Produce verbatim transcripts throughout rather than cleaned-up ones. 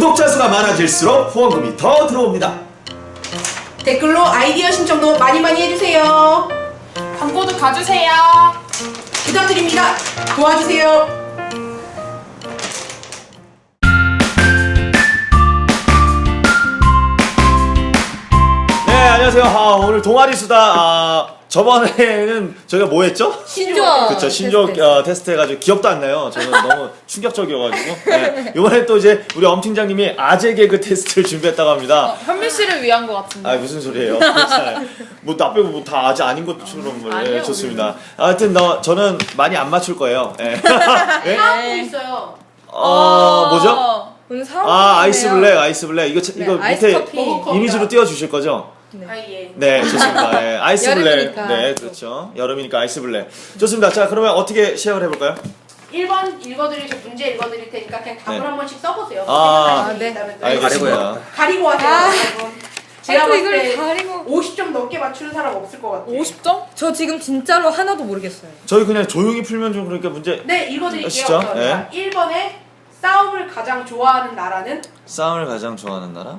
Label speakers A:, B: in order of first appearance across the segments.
A: 구독자 수가 많아질수록 후원금이 더 들어옵니다.
B: 댓글로 아이디어 신청도 많이 많이 해주세요.
C: 광고도 가주세요.
B: 부탁드립니다. 도와주세요.
A: 네, 안녕하세요. 아, 오늘 동아리 수다. 아, 저번에는 저희가 뭐 했죠?
B: 신조어.
A: 그렇죠. 신조어 테스트. 어, 테스트 해가지고 기억도 안 나요. 저는 너무 충격적이어가지고. 네. 이번에 또 이제 우리 엄 팀장님이 아재 개그 테스트를 준비했다고 합니다.
C: 어, 현미 씨를 위한 것 같은데.
A: 아, 무슨 소리예요? 뭐나 빼고 뭐 다 아재 아닌 것처럼. 네,
C: 아니요,
A: 좋습니다. 하여튼 너 저는 많이 안 맞출 거예요. 네. 네?
B: 하고 있어요.
A: 어, 뭐죠?
D: 오늘 사업
A: 아, 아이스 블랙, 아이스 블랙. 이거 차-
D: 네,
A: 이거
D: 아이스
A: 밑에
D: 커피.
A: 이미지로 띄워 주실 거죠?
B: 아, 예.
A: 네, 좋습니다. 네, 아이스 블랙.
D: 여름이니까.
A: 네, 그렇죠. 여름이니까 아이스 블랙. 좋습니다. 자, 그러면 어떻게 시작을 해볼까요?
B: 일 번 읽어드릴, 저 문제 읽어드릴 테니까 그냥 답을
A: 네.
B: 한 번씩 써보세요.
A: 아,
B: 생각나시는 게
D: 네.
B: 있다면 또
A: 알겠습니다.
B: 가리고 하세요.
D: 아.
B: 여러분. 제가
D: 아이고,
B: 봤을
D: 이걸
B: 때
D: 가리고.
B: 오십 점 넘게 맞추는 사람 없을 것 같아요.
C: 오십 점?
D: 저 지금 진짜로 하나도 모르겠어요.
A: 저희 그냥 조용히 풀면 좀 그러니까 문제.
B: 네, 읽어드릴게요.
A: 아시죠?
B: 우선.
A: 네.
B: 자, 일 번에 싸움을 가장 좋아하는 나라는?
A: 싸움을 가장 좋아하는 나라?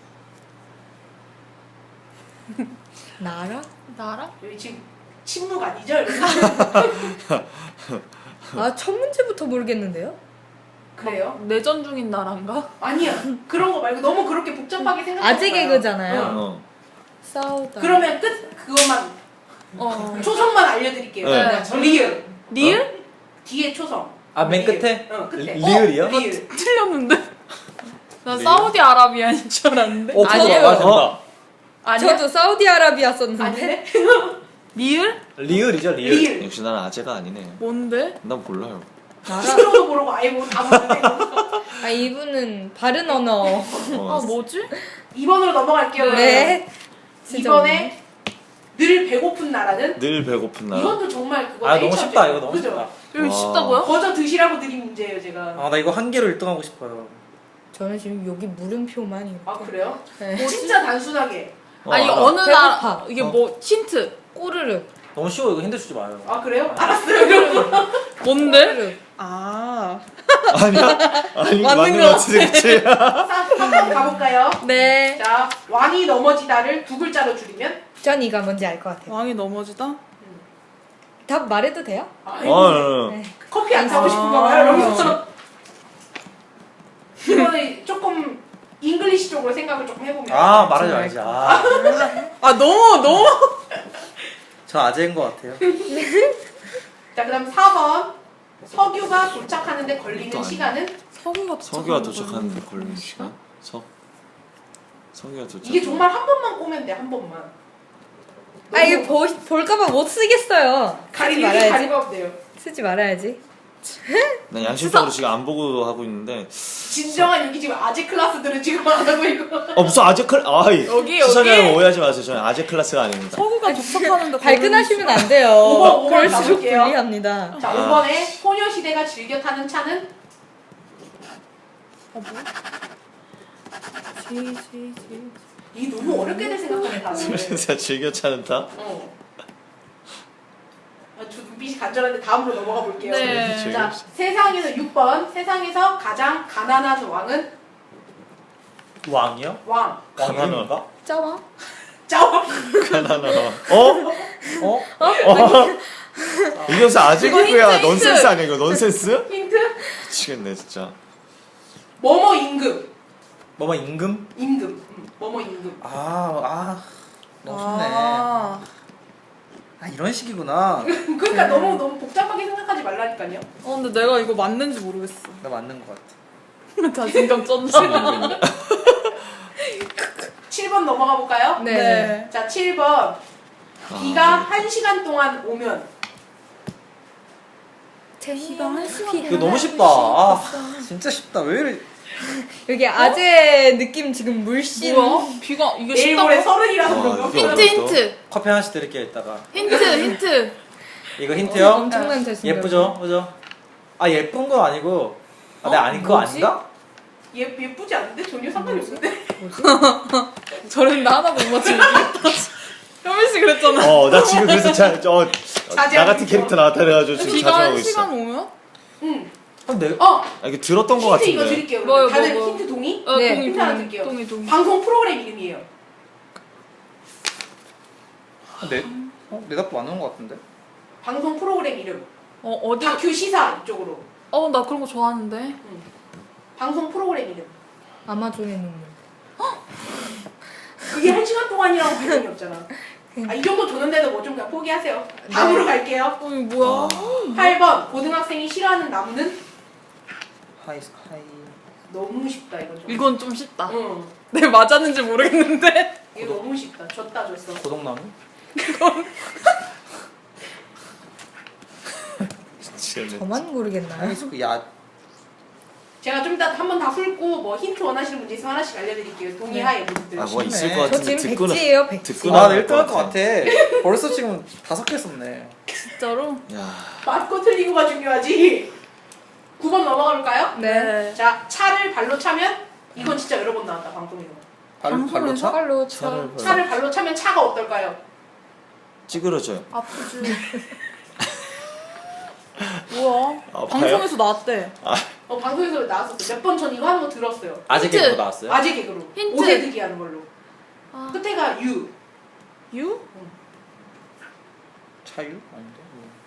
D: 나라?
C: 나라?
B: 여기 지금 침묵 아니죠? 여러분?
D: 아, 첫 문제부터 모르겠는데요?
B: 그래요?
C: 내전 중인 나라인가?
B: 아니야. 그런 거 말고 너무 그렇게 복잡하게 생각하지
D: 아재
B: 마요.
D: 개그잖아요.
B: 응.
A: 어.
D: 싸우다.
B: 그러면 끝 그것만
C: 어.
B: 초성만 알려드릴게요.
A: 네.
B: 리을.
C: 리을?
B: 뒤에 초성.
E: 아, 맨
B: 리을.
E: 끝에?
B: 응, 끝에.
E: 리- 리을이요?
B: 어, 리을.
C: 틀렸는데? 나
A: 리을?
C: 사우디아라비아인 줄 알았는데?
E: 어,
C: 아니에요?
E: 저도 아, 된다.
A: 어?
C: 아니야?
D: 저도 사우디아라비아 썼는데.
B: 아닌데?
C: 리을?
E: 리을이죠, 리을.
B: 리을.
A: 역시 나는 아재가 아니네.
C: 뭔데?
A: 난 몰라요.
D: 나라?
B: 신조도 모르고 아예 뭐다 모르는데.
D: 아, 이분은 바른 언어.
C: 아
A: 어.
C: 뭐지?
B: 이 번으로 넘어갈게요.
D: 네. 진짜
B: 이번에 늘 배고픈 나라는?
A: 늘 배고픈 나라.
B: 이것도 정말 그거
E: 아, 너무
B: 네이처죠.
E: 쉽다, 이거 너무
B: 그죠?
E: 쉽다.
C: 여기
A: 와.
C: 쉽다고요?
B: 거저 드시라고 드린 문제예요, 제가.
E: 아, 나 이거 한 개로 일 등 하고 싶어요.
D: 저는 지금 여기 물음표만 이렇게.
B: 아, 그래요?
D: 네.
B: 진짜 단순하게.
A: 어,
C: 아니
A: 알아.
C: 어느 나라
D: 배고파.
C: 이게
E: 어.
C: 뭐 힌트
D: 꼬르륵.
E: 너무 쉬워, 이거 힌트 주지 마요.
B: 아, 그래요? 알았어요, 그럼.
C: 뭔데?
D: 꼬르륵.
C: 아
A: 아니야? 아니,
C: 맞는
A: 맞는
C: 거
A: 거 같은데, 그치?
B: 한 번 가볼까요?
D: 네.
B: 자, 왕이 넘어지다를 두 글자로 줄이면?
D: 전 이가 뭔지 알 것 같아요.
C: 왕이 넘어지다?
D: 답 말해도 돼요?
B: 아이고,
A: 어, 어, 어.
D: 네.
B: 커피 안 사고
C: 아.
B: 싶은가 봐요, 여러분. 이번에 조금 잉글리시 쪽으로 생각을 조금 해보면.
E: 아, 말하지 말지. 아,
C: 아 너무 너무
E: 저 아재인 것 같아요.
B: 자, 그 다음 사 번. 석유가 도착하는데 걸리는
A: 아니야.
B: 시간은?
C: 서구가
A: 석유가 도착하는데 걸리는 시간? 석? 석유가 도착.
B: 이게 정말 한 번만 꼬면 돼, 한 번만.
D: 아, 이게 보, 볼까봐 못 쓰겠어요. 쓰지
B: 가리기
D: 말아야지.
B: 가리고 하면 돼요.
D: 쓰지 말아야지.
A: 난 양심적으로 지금 안 보고 하고 있는데.
B: 진정한 여기 지금 아재 클래스들은 지금 안 하고 있고.
A: 어, 무슨 아재 클, 아이.
C: 여기,
A: 시청자
C: 여기.
A: 여러분 오해하지 마세요. 저는 아재 클래스가 아닙니다.
C: 서구가 도착하는데
D: 발끈하시면 안 돼요.
B: 오 번, 오 번
D: 그럴수록
B: 가볼게요.
D: 불리합니다.
B: 자,
A: 아.
B: 오 번에 소녀시대가 즐겨 타는 차는?
C: 어, 뭐? 지, 지, 지.
B: 이 너무 어렵게들 생각하네, 다들.
A: 진짜 즐겨 차는 타?
B: 어. 아, 저 눈빛이 간절한데 다음으로 넘어가 볼게요.
C: 네.
B: 자, 세상에서 육 번. 세상에서 가장 가난한 왕은?
E: 왕이요?
B: 왕.
E: 왕
A: 가난한-
E: 이름인가?
D: 짜와?
B: 짜왕.
A: 가난하다. 어?
E: 어?
A: 이게 무슨 아재
C: 이거
A: 개그야?
C: 힌트,
A: 넌센스
C: 힌트.
A: 아니야, 이거? 넌센스?
B: 힌트?
A: 미치겠네, 진짜.
B: 뭐뭐 임금.
E: 뭐뭐 임금?
B: 임금. 음, 뭐뭐 임금.
E: 아, 아. 너무 쉽네.
C: 아,
E: 아, 이런 식이구나.
B: 그러니까 너무 너무 복잡하게 생각하지 말라니까요.
C: 어 근데 내가 이거 맞는지 모르겠어.
E: 나 맞는 것 같아.
C: 자신감 쩐다.
B: 칠 번 넘어가 볼까요?
D: 네.
B: 자, 칠 번. 비가 한 시간 동안 오면?
D: 시간 한 시간.
E: 이거 너무 쉽다. 아, 진짜 쉽다. 왜 이래.
D: 여기 아재 느낌 지금 물씬.
C: 뭐야? 비가 이게
B: 내일
C: 쉽다고?
B: 모레 서른이라서
A: 아,
B: 그런가?
A: 이게
C: 힌트
A: 어렵다.
C: 힌트
E: 커피 하나씩 드릴게요, 이따가.
C: 힌트 힌트.
E: 이거 힌트요?
D: 엄청난 자신감.
E: 예쁘죠? 그죠? 아, 예쁜 건 아니고. 아, 내가 아닌 거
D: 뭐지?
E: 아닌가?
B: 예, 예쁘지 않은데? 전혀 상관이 없는데?
C: 저랬는데 하나도 못 맞추면 이기겠다. 현민 씨 그랬잖아.
A: 어, 나 지금 그래서 자, 저, 나
B: 자제하고
A: 같은
B: 있어.
A: 캐릭터 나왔다 그래가지고 지금
C: 비가
A: 자중하고
C: 한
A: 있어.
C: 시간 오면?
B: 응.
E: 그럼 내
B: 어
A: 아, 이거 들었던 것
B: 힌트 이거
A: 같은데.
B: 드릴게요.
C: 뭐요, 뭐,
B: 다들
C: 뭐.
B: 힌트 동의?
C: 어,
D: 네.
C: 동의,
B: 힌트 하나
C: 동의,
B: 드릴게요.
C: 동의, 동의.
B: 방송 프로그램 이름이에요.
E: 내 어? 내 답도 맞는 것 같은데.
B: 방송 프로그램 이름.
C: 어, 어디?
B: 다큐 시사 이쪽으로.
C: 어, 나 그런 거 좋아하는데.
B: 방송 프로그램 이름.
D: 아마존의 눈물.
B: 그게 한 시간 동안이라고 발전이 없잖아. 아, 이 정도 줬는데도 뭐 좀 그냥 포기하세요. 다음으로 갈게요.
C: 어, 이거 뭐야?
B: 팔 번 고등학생이 싫어하는 나무는?
E: 하이 하이.
B: 너무 쉽다 이거 좀.
C: 이건 좀 쉽다.
B: 응.
C: 내 맞았는지 모르겠는데.
B: 이거 너무 쉽다. 줬다 줬어.
E: 고동나무?
A: 미치겠네.
D: 저만 모르겠나요?
E: 하이스쿨 야.
B: 제가 좀 이따 한 번 다 풀고 뭐 힌트 원하시는 문제 있으면 하나씩 알려드릴게요. 동의하에 분들.
A: 아, 뭐 있을
E: 쉽네.
A: 것
D: 저
A: 같은데
D: 지금
A: 듣고는
D: 백지예요, 백지.
A: 듣고는
E: 아,
A: 알
E: 일 등 할 것
A: 것
E: 같아. 벌써 지금 다섯 개 썼네.
C: 진짜로?
A: 야,
B: 맞고 틀리고가 중요하지. 구 번 넘어가 볼까요?
D: 네.
B: 자, 차를 발로 차면 이건 진짜 여러 번 나왔다 방송에서.
E: 발, 발로
C: 방송에서
E: 차?
C: 발로
A: 차를
C: 차.
A: 발-
B: 차를 발로 차면 차가 어떨까요?
A: 찌그러져요.
C: 아프지. 뭐야?
A: 아파요?
C: 방송에서 나왔대.
B: 어 방송에서 나왔었어. 몇 번 전 이거 하는 거 들었어요.
E: 아재
C: 힌트.
E: 개그도 나왔어요?
B: 아재 개그로.
C: 힌트.
B: 오세득이 하는 걸로.
C: 아.
B: 끝에가 유.
C: 유?
E: 차유? 아닌데.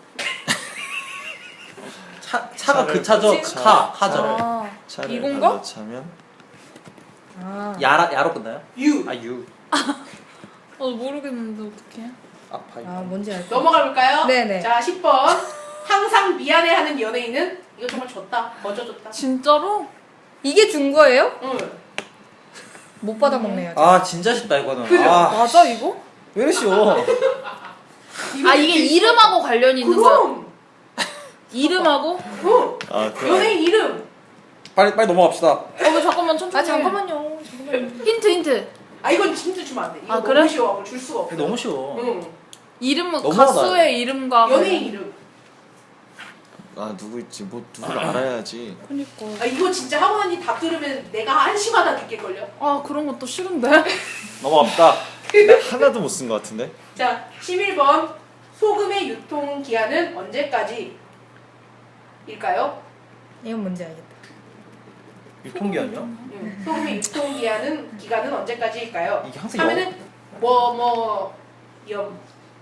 E: 차 차가
A: 차를
E: 그 차죠.
A: 차-
E: 카 카죠.
C: 아,
A: 차를
C: 이건가?
A: 발로 차면
D: 아.
E: 야라 야로 끝나요?
B: 유.
E: 아 유.
C: 어, 모르겠는데 어떡해.
E: 아파요.
D: 아, 뭔지 알 것
B: 넘어가 볼까요?
D: 네네.
B: 자, 십 번. 항상 미안해하는 연예인은 이거 정말 졌다. 거저졌다.
C: 진짜로?
D: 이게 준 거예요?
B: 응.
D: 못 받아먹네요.
E: 아 진짜 쉽다 이거는.
B: 그죠?
E: 아,
C: 맞아 이거?
E: 왜 이래 쉬워?
C: 아 이게 이름하고 관련이 있는 거야?
B: 그럼.
C: 이름하고?
B: 응.
A: 아, 그
B: 연예인 이름.
E: 빨리 빨리 넘어갑시다.
C: 어, 왜 잠깐만 천천히.
D: 아, 잠깐만요. 잠깐만요.
C: 힌트 힌트.
B: 아 이건 진짜 주면 안 돼. 이거
C: 아,
B: 너무
C: 그래?
B: 쉬워. 줄 수가 없어.
E: 이거 너무 쉬워.
B: 응.
C: 이름
E: 넘어가다.
C: 가수의 이름과
B: 연예인 이름.
A: 아, 누구 있지? 뭐 누구를 알아야지.
C: 그니까.
B: 아 이거 진짜 하고 나니 답 들으면 내가 한시마다 느낄걸요?
C: 아 그런 것도 싫은데.
E: 넘어갑시다.
A: 나 하나도 못 쓴 것 같은데.
B: 자, 십일 번. 소금의 유통 기한은 언제까지? 일까요?
D: 이건 뭔지 알겠다.
E: 유통기한이요?
B: 응. 소금의 유통 기한은 기간은 언제까지일까요?
E: 이게 항상
B: 하면은 뭐뭐 염.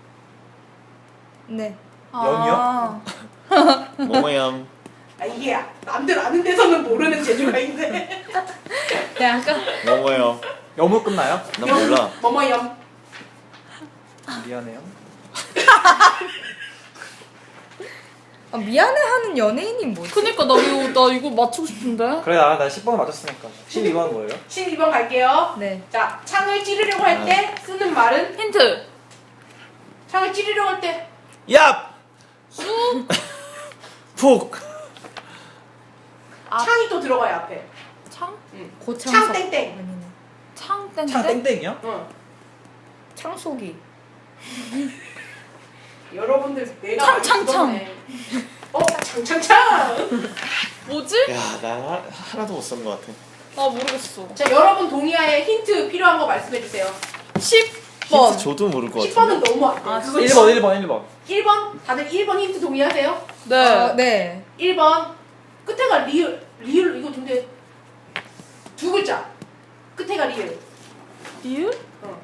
D: 네.
C: 아,
A: 뭐뭐얌.
B: 아 이게 남들 아는 데서는 모르는 재주가 있네.
D: 네, 아까
A: 뭐뭐얌.
E: 여무 끝나요?
A: 나 몰라.
B: 뭐뭐 염.
E: 미안해요.
D: 아, 미안해하는 연예인이 뭐지?
C: 그니까 나 이거 나 이거 맞추고 싶은데.
E: 그래 나, 나 십 번을 맞췄으니까. 십이 번 뭐예요?
B: 십이 번 갈게요.
D: 네.
B: 자, 창을 찌르려고 할 때 쓰는 말은
C: 힌트.
B: 창을 찌르려고 할 때
A: 야!
C: 쑥.
A: 푹!
C: 아.
B: 창이 또 들어가요 앞에.
C: 창?
B: 응.
D: 고창석.
B: 창 땡땡.
D: 아니네.
C: 창 땡땡.
E: 창 땡땡이요?
B: 응.
D: 창속이.
B: 여러분들 내가
C: 창,
B: 많이
C: 창,
B: 죽었네. 어, 창창창.
C: 뭐지?
A: 야, 나 하- 하나도 못 쓴 것 같아.
C: 나 모르겠어.
B: 자, 여러분 동의하에 힌트 필요한 거 말씀해 주세요.
C: 십 번.
A: 힌트 줘도 모를 것
B: 십
A: 같은데.
B: 번은 너무 안 돼.
C: 아,
B: 그거
E: 일 번 일 번 일 번.
B: 일 번 다들 일 번 힌트 동의하세요?
C: 네.
D: 어, 네.
B: 일 번 끝에가 리을 리을 이거 근데 두 글자 끝에가 리을
C: 리을?
B: 어.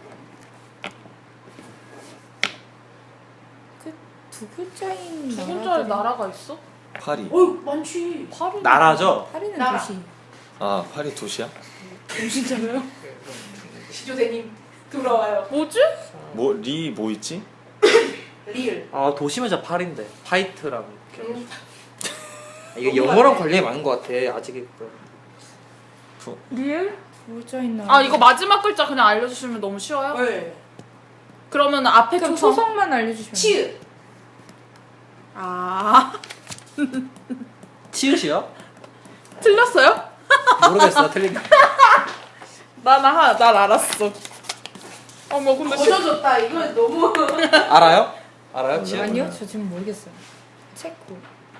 D: 그 두 글자인
C: 두
D: 나라들이-
C: 글자의 나라가 있어?
A: 파리.
B: 어이 많지.
C: 파리.
E: 나라죠?
D: 파리는
B: 나라.
D: 도시.
A: 아, 파리 도시야?
C: 진짜로요?
B: 시조대님 돌아와요.
C: 뭐지?
A: 뭐, 리 뭐 있지?
B: 리을.
E: 아 도시면 진짜 팔인데 파이트라고.
B: 음.
E: 이게
B: 너무
E: 영어랑
B: 많네.
E: 관련이 많은 것 같아. 아직
C: 리을?
D: 두 글자인 나라.
C: 아 이거 마지막 글자 그냥 알려주시면 너무 쉬워요?
B: 네.
C: 그러면 앞에
D: 그럼
C: 초성.
D: 초성만 알려주시면.
B: 치읓.
C: 아
E: 치읓이요?
C: 틀렸어요?
E: 모르겠어. 틀린.
C: 나나 난 알았어. 어머 근데 시...
B: 거저졌다. 이거 너무.
E: 알아요? 알아요? 치읓?
D: 아니요, 저 지금 모르겠어요. 체코.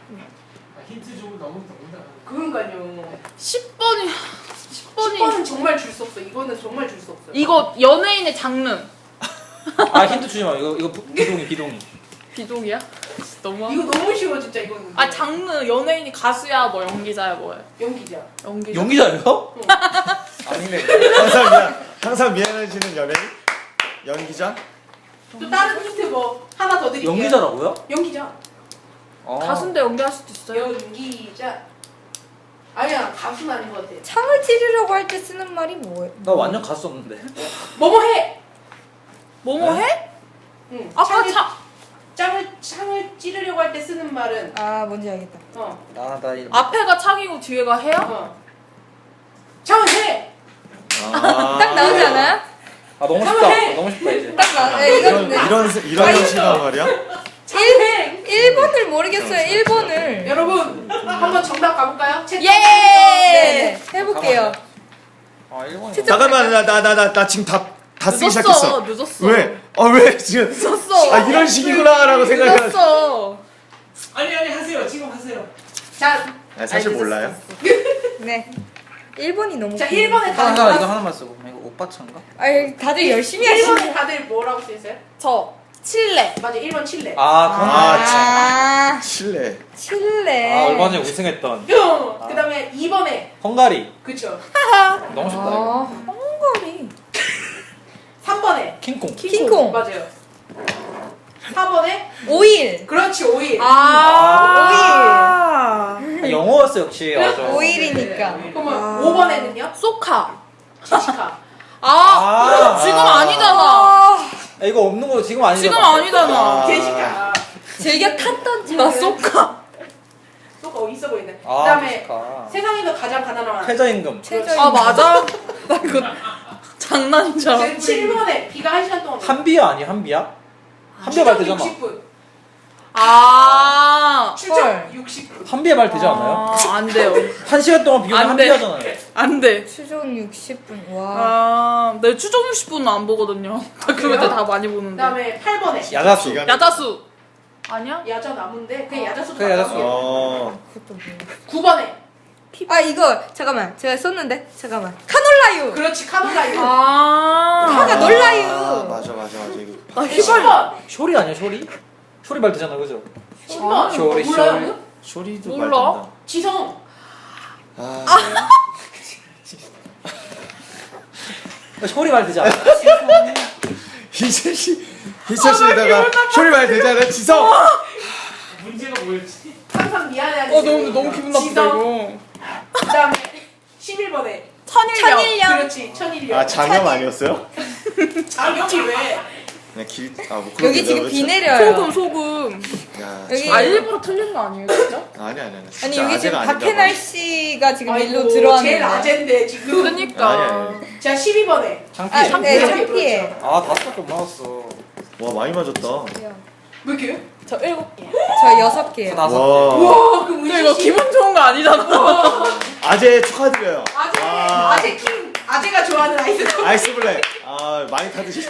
B: 그런가요.
C: 십 번이 십 번이
B: 십 번은 정말 줄 수 없어. 이거는 정말 줄 수 없어요.
C: 이거 연예인의 장르
E: 아 힌트 주지 마. 이거 이거 비동이 비동이.
C: 비동이야? 너무.
B: 이거 너무 쉬워 진짜 이거는.
C: 아 장르 연예인이 가수야 뭐 연기자야 뭐야?
B: 연기자.
C: 연기자.
E: 연기자예요? 아니네.
A: 항상 미안, 항상 미안해지는 연예인? 연기자?
B: 또 다른 힌트 뭐 하나 더 드릴게요.
E: 연기자라고요?
B: 연기자.
E: 아.
C: 가수인데 연기할 수도 있어요.
B: 연기자. 아니야 가수는 아닌 것 같아.
D: 창을 찌르려고 할 때 쓰는 말이 뭐예요?
E: 나 완전 가수 없는데.
B: 뭐뭐 해.
C: 뭐뭐 해?
B: 응.
C: 아까
B: 창을,
C: 차.
B: 창을 창을 찌르려고 할 때 쓰는 말은
D: 아 뭔지 알겠다.
B: 어.
E: 나나 이.
C: 앞에가 창이고 뒤에가 해야?
B: 어. 창을 해.
A: 아,
D: 딱 나오지 않아요?
E: 아 너무
B: 한번
E: 쉽다.
B: 해!
E: 너무 쉽다 이제.
D: 딱 나. 네,
A: 이런,
D: 이건
A: 이런, 이런 형식이란 말이야?
B: 창을 해.
D: 일 번을 모르겠어요. 일 번을.
B: 여러분 한번 정답 가볼까요? 채-
C: 예.
D: 네네 해볼게요.
E: 아 일본이.
D: 진짜-
A: 잠깐만, 나, 나, 나, 나, 나 지금 다, 다 쓰기
C: 늦었어.
A: 시작했어.
C: 늦었어.
A: 왜? 아, 왜? 지금.
C: 늦었어.
A: 아, 이런 식이구나라고 생각해가지고.
C: 늦었어.
B: 아니 아니 하세요. 지금 하세요. 자,
A: 아, 사실
C: 아니,
A: 몰라요.
D: 네. 일 번이 너무.
B: 자 일 번에
E: 하나
B: 다들
E: 이거 하나만 쓰고. 이거 오빠 차인가?
D: 아 다들 열심히
B: 일 번에
D: 하시네.
B: 다들 뭐라고 써 있어요?
C: 저 칠레.
B: 맞아 일 번 칠레.
E: 아 그럼.
A: 아,
D: 아
A: 실례.
D: 칠레.
E: 아 얼마 전에 우승했던
B: 뿅. 그다음에 이 번에
E: 헝가리.
B: 그쵸.
E: 너무 쉽다
D: 아
E: 이거.
D: 헝가리.
B: 삼 번에
E: 킹콩.
D: 킹콩.
B: 맞아요. 사 번에
D: 오일.
B: 그렇지 오일.
C: 아.
E: 아, 영어였어 역시. 맞아.
D: 오일이니까.
B: 그러면 오 번에는요?
C: 소카.
B: 제시카.
C: 아,
E: 아.
C: 지금 아니잖아.
D: 아
E: 아, 이거 없는 거 지금 아니잖아.
C: 지금 아니잖아.
A: 아.
B: 제시카.
D: 즐겨 탔던 차.
C: 나 소카.
B: 또 어, 있어 보이네.
E: 아,
B: 그다음에
E: 제시카.
B: 세상에서 가장 가난한.
E: 최저임금.
D: 최저.
C: 아 맞아? 나 이거 장난인 줄 알았어.
B: 칠 번에 비가 한 시간 동안.
E: 한비야 아니 한비야? 한비야 말 되잖아.
B: 육십 분.
C: 아.
B: 출장
D: 헐.
B: 육십 분.
E: 한비야 말 되지 않아요?
C: 아, 안 돼요.
E: 한 시간 동안 비 오면
C: 안 돼.
E: 한비야잖아요.
C: 안 돼.
D: 추종 육십 분. 와.
C: 아, 내 추정 육십 분은 안 보거든요. 그거 다 많이 보는데.
B: 그다음에 팔 번에
E: 야자수.
A: 기간-
C: 야자수. 아니야?
B: 야자 나무인데 그냥 야자수도
E: 그래, 야자수.
B: 맞다고요.
A: 어.
D: 그것도 뭐야.
B: 구 번에
D: 아 이거 잠깐만 제가 썼는데 잠깐만 카놀라유.
B: 그렇지 카놀라유.
C: 아.
D: 카가 놀라유.
A: 아, 맞아, 맞아, 맞아. 이거.
C: 나
B: 십
C: 휘발.
B: 번.
E: 쇼리 아니야 쇼리? 쇼리 말 되잖아 그죠?
B: 십 번.
E: 쇼리,
B: 몰라요?
E: 쇼리.
A: 쇼리도
C: 몰라.
A: 말된다.
B: 지성.
A: 아,
E: 쇼리 말 되지 않아?
A: 희철 씨, 희철 씨에다가 쇼리 말 되잖아. 지성.
B: 문제가 뭐였지? 항상 미안해.
C: 어 너무 너무 기분 나쁘다 이거.
B: 그다음에 십일 번에
C: 천일염.
D: 천일염.
B: 그렇지 천일이요.
A: 아, 장염 아니었어요?
B: 장염이 왜?
A: 그냥 길, 아, 뭐 그런
D: 여기
A: 게
D: 지금
A: 내가
D: 비
A: 왜
D: 내려요.
C: 소금 소금.
A: 참- 야,
D: 여기-
C: 아 일부러 틀린 거 아니에요 진짜?
A: 아니, 아니, 아니.
D: 아니
A: 진짜
D: 여기 지금
A: 아재가 아닌가
D: 박해날
A: 봐.
D: 씨가 지금
B: 아이고,
D: 일로
B: 제일
D: 들어왔는데.
B: 아젠데 지금.
C: 그러니까.
A: 아니, 아니.
B: 자 십이 번에
E: 창피해.
D: 아, 네,
B: 그렇죠.
D: 창피해.
E: 아 다섯 개 맞았어.
A: 와, 많이 맞았다.
B: 왜 이렇게?
C: 저 일곱 개.
D: 저 여섯 개요.
E: 다섯
A: 와.
B: 우와 그럼
C: 근데 이거
B: 은지 씨.
C: 기분 좋은 거 아니잖아.
A: 아재 축하드려요.
B: 아재
A: 아.
B: 아재 킹 아재가 좋아하는 아이스.
A: 아이스 블랙. 아, 많이 타드시.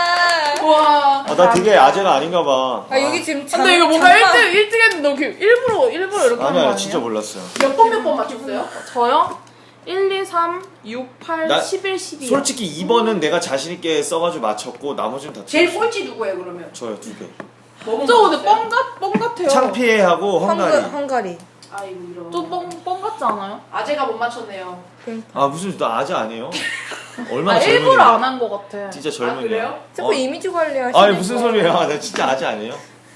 D: 아,
B: 와.
A: 아, 나 되게 아재가 아닌가 봐.
D: 아 여기 지금 장,
C: 근데 이거 뭔가
D: 장판-
C: 일 등 일 등 했는데 너 그 일부러 일부러 이렇게 하는 거
A: 아니야,
C: 아니에요?
A: 진짜 몰랐어요.
B: 몇 번 몇 번 맞췄어요?
C: 저요? 일, 이, 삼, 육, 팔,
A: 나
C: 십일, 십이.
A: 솔직히 이 번은 내가 자신있게 써가지고 맞췄고, 나머지는 다
B: 제일
A: 틀렸어요.
B: 꼴찌 누구예요 그러면?
A: 저요, 두 개.
B: 뭐뭐
C: 저 근데
B: 맞췄어요?
C: 뻥 같, 뻥 같아요.
A: 창피해하고 헝가리.
D: 헝가, 헝가리.
B: 아이고 이런.
C: 좀 뻥, 뻥 같지 않아요?
B: 아재가 못 맞췄네요.
A: 아, 무슨, 나 아재 아니에요? 얼마나
C: 아,
A: 젊은데.
C: 일부러 안 한 거 같아.
A: 진짜
B: 아,
A: 젊은이야.
B: 그래요?
D: 자꾸
A: 어.
D: 이미지 관리하시는
A: 아니, 무슨 소리예요? 나 진짜 아재 아니에요?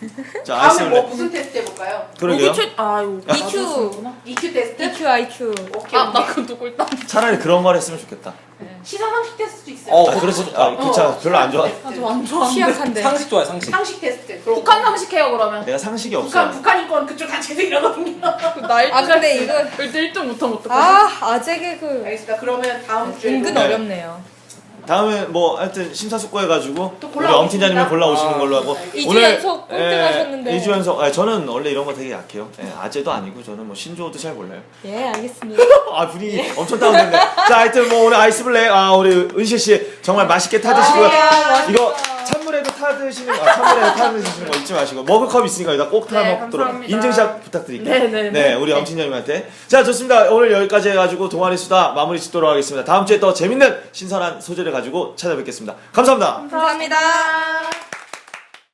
A: 자, 아이스
B: 다음에 뭐
A: 블랙.
B: 무슨 테스트 해볼까요?
A: 그러게요.
C: 여기 최, 아, 이거.
D: 이큐.
B: 이큐 테스트?
D: 이큐 아이큐.
B: 오케이.
C: 아, 나
B: 오케이.
C: 그거 누구 일단.
A: 차라리 그런 걸 했으면 좋겠다.
B: 시사 상식 테스트도 있어요.
E: 어,
A: 아, 그렇지. 아, 그차 별로 안 좋아.
B: 테스트.
C: 아, 저 안 좋아하는데.
D: 취약한데.
E: 상식 좋아해 상식.
B: 상식 테스트. 그럼
C: 북한 상식해요, 그러면.
A: 내가 상식이
B: 북한
A: 없어요.
B: 북한 인권 그쪽 다 제대로거든요.
C: 나 일 등.
D: 아 근데 이거
C: 일단 일 등 못하면 어떡하지?
D: 아 아재 개그
B: 알겠습니다. 그러면 다음 주에
D: 은근
A: 네.
D: 어렵네요.
A: 다음에 뭐 하여튼 심사숙고해가지고
B: 또
A: 우리
B: 골라오겠습니다.
A: 엄팀장님이 골라오시는
E: 아,
A: 걸로 하고
D: 이 주 연속 꼴등 하셨는데.
A: 이 주 연속. 아, 저는 원래 이런 거 되게 약해요. 예, 아재도 아니고 저는 뭐 신조어도 잘 몰라요.
D: 예 알겠습니다.
A: 아, 분위기 엄청 다운됐네. 자, 하여튼 뭐 오늘 아이스 블랙 아 우리 은실 씨 정말 맛있게 타드시고요.
D: 아,
A: 이거 찬물에도 타드시는 아, 찬물에도 타드시는 거 잊지 마시고 머그컵 있으니까 여기다 꼭 타
C: 네,
A: 먹도록
C: 감사합니다.
A: 인증샷 부탁드릴게요.
C: 네, 네, 네.
A: 우리 엄팀장님한테. 자, 좋습니다. 오늘 여기까지 해가지고 동아리 수다 마무리 짓도록 하겠습니다. 다음 주에 더 재밌는 신선한 소재를 가지고 찾아뵙겠습니다. 감사합니다.
D: 감사합니다.